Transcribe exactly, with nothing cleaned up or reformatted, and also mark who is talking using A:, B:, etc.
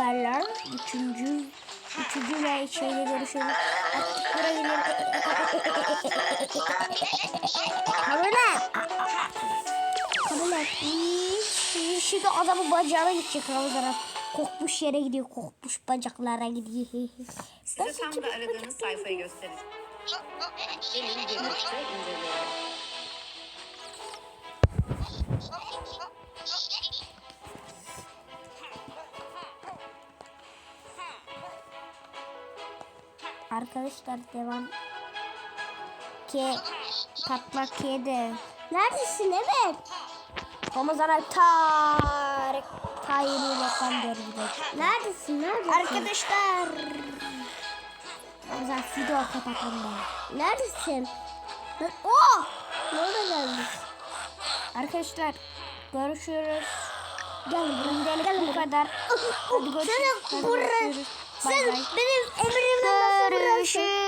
A: haberler. Üçüncü, üçüncü ve şeyle görüşürüz. Artık buraya gidelim. Kabul et. Kabul et. Şimdi adamın bacağına gidecek Ramazan'a. Kokmuş yere gidiyor. Kokmuş bacaklara gidiyor.
B: Size tam da aradığınız sayfayı göstereceğim. Gelin birlikte inceleyelim.
A: Arkadaşlar devam. Ke patlak kedi. Neredesin? Evet. Ramazan'a Tarık Tayyip'le kan görüyoruz. Neredesin? Neredesin? Arkadaşlar. Ramazan video kapatalım ben. Neredesin? Ben... Oh! Ne oldu geldik? Arkadaşlar görüşürüz. Gel buraya. Gel bu kadar. Hadi görüşürüz. Hadi görüşürüz. Sen benim emrimden nasıl görüşürüz.